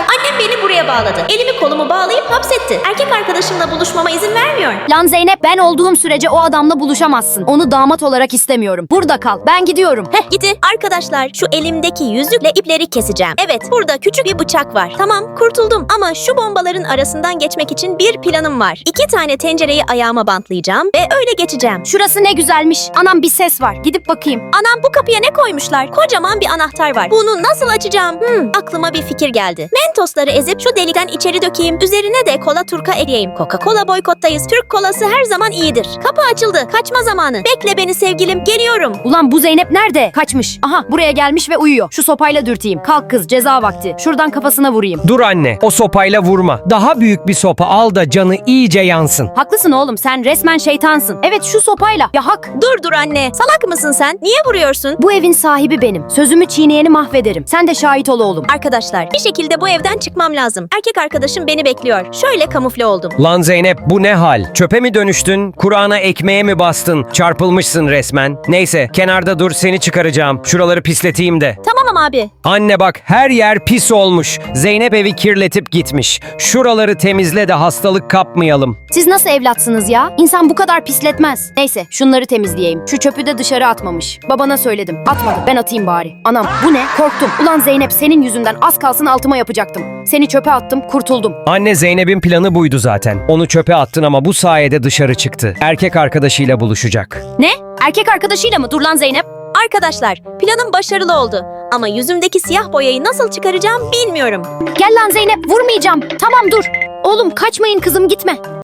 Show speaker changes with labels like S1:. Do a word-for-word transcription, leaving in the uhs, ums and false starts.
S1: Annem beni buraya bağladı. Elimi kolumu bağlayıp hapsetti. Erkek arkadaşımla buluşmama izin vermiyor.
S2: Lan Zeynep, ben olduğum sürece o adamla buluşamazsın. Onu damat olarak istemiyorum. Burada kal. Ben gidiyorum.
S1: Heh gitti. Arkadaşlar şu elimdeki yüzükle ipleri keseceğim. Evet burada küçük bir bıçak var. Tamam kurtuldum ama şu bombaların arasından geçmek için bir planım var. İki tane tencereyi ayağıma bantlayacağım ve öyle geçeceğim.
S2: Şurası ne güzelmiş. Anam, bir ses var. Gidip bakayım.
S1: Anam bu kapıya ne koymuşlar? Kocaman bir anahtar var. Bunu nasıl açacağım? Hmm, aklıma bir fikir geldi. Mentosları ezip şu delikten içeri dökeyim. Üzerine de kola turka ekleyeyim. Coca-Cola boykottayız. Türk kolası her zaman iyidir. Kapı açıldı. Kaçma zamanı. Bekle beni sevgilim. Geliyorum.
S2: Ulan bu Zeynep nerede? Kaçmış. Aha, buraya gelmiş ve uyuyor. Şu sopayla dürteyim. Kalk kız, ceza vakti. Şuradan kafasına vurayım.
S3: Dur anne, o sopayla vurma. Daha büyük bir sopa al da canı iyice yansın.
S2: Haklısın oğlum, sen resmen şeytansın. Evet, şu sopayla. Ya hak.
S1: Dur dur anne. Salak mısın sen? Niye vuruyorsun?
S2: Bu evin sahibi benim. Sözümü çiğneyeni mahvederim. Sen de şahit ol oğlum.
S1: Arkadaşlar bir şekilde bu evden çıkmam lazım. Erkek arkadaşım beni bekliyor. Şöyle kamufle oldum.
S3: Lan Zeynep, bu ne hal? Çöpe mi dönüştün? Kur'an'a ekmeğe mi bastın? Çarpılmışsın resmen. Neyse, kenarda dur, seni çıkaracağım. Şuraları pisleteyim de.
S1: Tamam abi.
S3: Anne bak, her yer pis olmuş. Zeynep evi kirletip gitmiş. Şuraları temizle de hastalık kapmayalım.
S2: Siz nasıl evlatsınız ya? İnsan bu kadar pisletmez. Neyse, şunları temizleyeyim. Şu çöpü de dışarı atmamış. Babana söyledim. Atmadı. Ben atayım bari. Anam, bu ne? Korktum. Ulan Zeynep, senin yüzünden az kalsın altıma yapacaktım. Seni çöpe attım, kurtuldum.
S3: Anne, Zeynep'in planı buydu zaten. Onu çöpe attın ama bu sayede dışarı çıktı. Erkek arkadaşıyla buluşacak.
S2: Ne? Erkek arkadaşıyla mı? Dur lan Zeynep.
S1: Arkadaşlar planım başarılı oldu. Ama yüzümdeki siyah boyayı nasıl çıkaracağım bilmiyorum.
S2: Gel lan Zeynep, vurmayacağım. Tamam dur. Oğlum kaçmayın kızım, gitme.